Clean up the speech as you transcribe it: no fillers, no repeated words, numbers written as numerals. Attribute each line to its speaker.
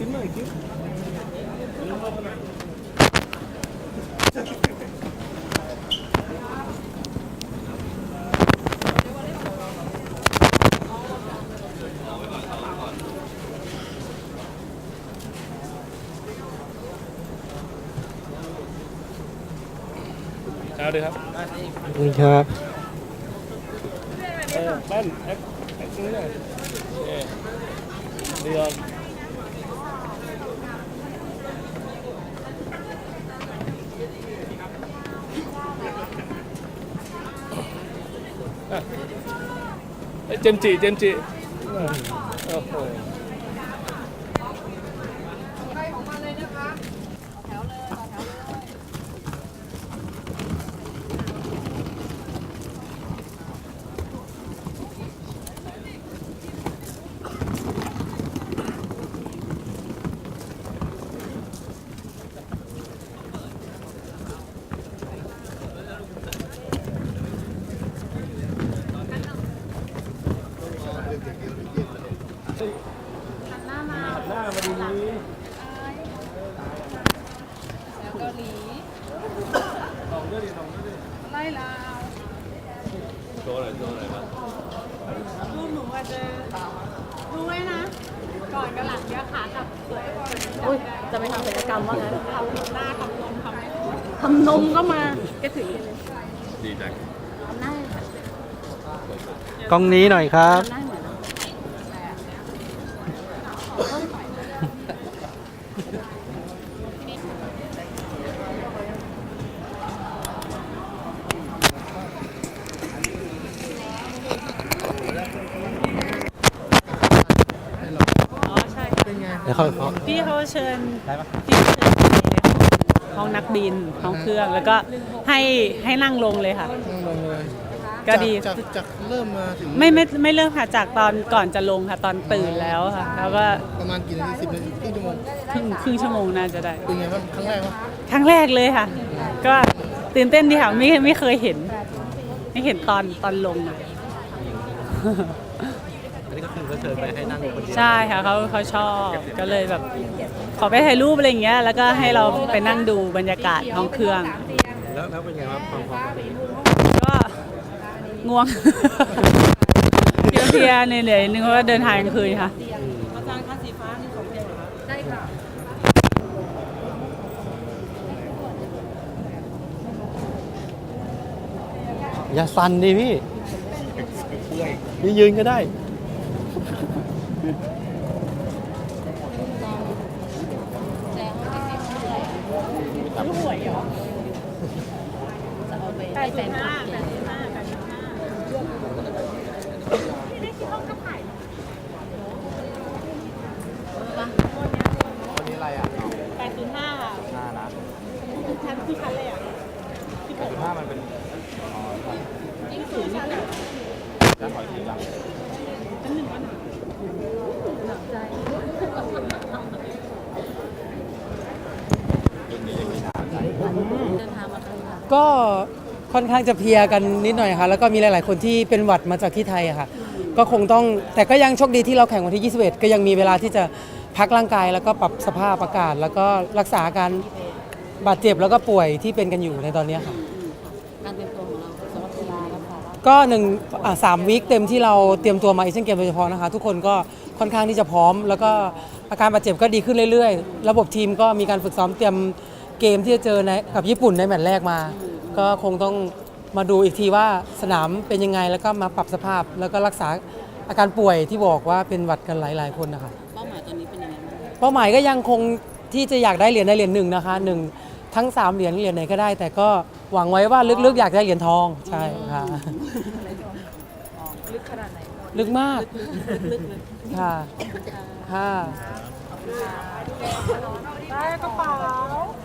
Speaker 1: หน่อยคิ้วเอาดีครับ
Speaker 2: นี่ครับ
Speaker 1: แป้นแอคนี่หน่อยเดือดเจมจีโอ้โหหน้ามาดีนี้
Speaker 3: แล้วเกาหลี
Speaker 1: ลองด้วยดิ
Speaker 3: ไล่ลาว
Speaker 1: โชว์หน่อยครับ
Speaker 3: รูปหนูอาจจะดูไว้นะ ก่อนกับหลังเยอะขากับสวยอุ้ยจะไปทำศัลยกรรมว่างั้นทำหน้าทำนมทำนมก็มาแกถือเลย
Speaker 1: ดีจัง
Speaker 3: ทำหน้าก
Speaker 2: ล้องนี้หน่อยครับ
Speaker 3: ทำหน้าเหมือน
Speaker 2: แล้วเขา
Speaker 3: พี่เขาเชิญพี่เชิญห้องนักบินห้องเครื่องแล้วก็ให้นั่งลงเลยค่ะ
Speaker 4: นั่งลงเลย
Speaker 3: ก็ดี
Speaker 4: จากเริ่มมาถึง
Speaker 3: ไม่เริ่มค่ะจากตอนก่อนจะลงค่ะตอนตื่นแล้วค่ะแล้วก็
Speaker 4: ประมาณกี่นาที10 นาทีครึ่งชั่วโมง
Speaker 3: ครึ่งชั่วโมงน่าจะได้
Speaker 4: เป็นไงบ้างครั้งแรกวะ
Speaker 3: ครั้งแรกเลยค่ะก็ตื่นเต้นดีค่ะไม่เคยเห็นตอนลงอ่ะ
Speaker 2: อันนี้ก็คือเขาเชิญไปให้นั่งคนเดียว
Speaker 3: ใช่ค่ะเขาชอบก็เลยแบบขอไปถ่ายรูปอะไรอย่างเงี้ยแล้วก็ให้เราไปนั่งดูบรรยากาศห้องเครื่อง
Speaker 2: แล้วเป็นไงครับความพร้อม
Speaker 3: ก็ง่วงเพลียๆเหนื่อยๆนึงเพราะว่าเดินทางกลางคืนค่ะอาจารย์คะสีฟ้านี่ของเดียวเหรอได้ค่ะ
Speaker 2: อย่าสั่นดิพี่ยืนก็ได้
Speaker 3: หวยเหรอ85
Speaker 4: วันนี้อะไรอ่ะ
Speaker 3: 805ค่ะ
Speaker 4: นะ
Speaker 3: ชั้นที่ชั้นเลยอ่ะ
Speaker 4: 85มันเป็น
Speaker 3: ยิ่งสูงชั้นอ่ะ
Speaker 4: จะถอยทีหลัง
Speaker 3: ชั้น1วันหนักใจเดินทางมา
Speaker 2: ก็ค่อนข้างจะเพลียกันนิดหน่อยค่ะแล้วก็มีหลายๆคนที่เป็นหวัดมาจากที่ไทยค่ะก็คงต้องแต่ก็ยังโชคดีที่เราแข่งวันที่21ก็ยังมีเวลาที่จะพักร่างกายแล้วก็ปรับสภาพอากาศแล้วก็รักษาอาการบาดเจ็บแล้วก็ป่วยที่เป็นกันอยู่ในตอนนี้ค่ะ
Speaker 3: การเตรียมตัวของเราสำหรับกีฬาครับ
Speaker 2: ก็3 วีคเต็มที่เราเตรียมตัวมาเอเชียนเกมโดยเฉพาะนะคะทุกคนก็ค่อนข้างที่จะพร้อมแล้วก็อาการบาดเจ็บก็ดีขึ้นเรื่อยๆระบบทีมก็มีการฝึกซ้อมเตรียมเกมที่จะเจอกับญี่ปุ่นในแมตช์แรกมาก็คงต้องมาดูอีกทีว่าสนามเป็นยังไงแล้วก็มาปรับสภาพแล้วก็รักษาอาการป่วยที่บอกว่าเป็นหวัดกันหลายๆคนนะคะ
Speaker 3: เป้าหมายตอนนี้เป็นยังไง
Speaker 2: เป้าหมายก็ยังคงที่จะอยากได้เหรียญหนึ่งนะคะทั้ง3 เหรียญไหนก็ได้ แต่ก็หวังไว้ว่าลึกๆอยากได้เหรียญทองใช่ค่ะ
Speaker 3: ลึกขนาดไหน
Speaker 2: ลึกมากค่ะ
Speaker 3: ได้กระเป๋า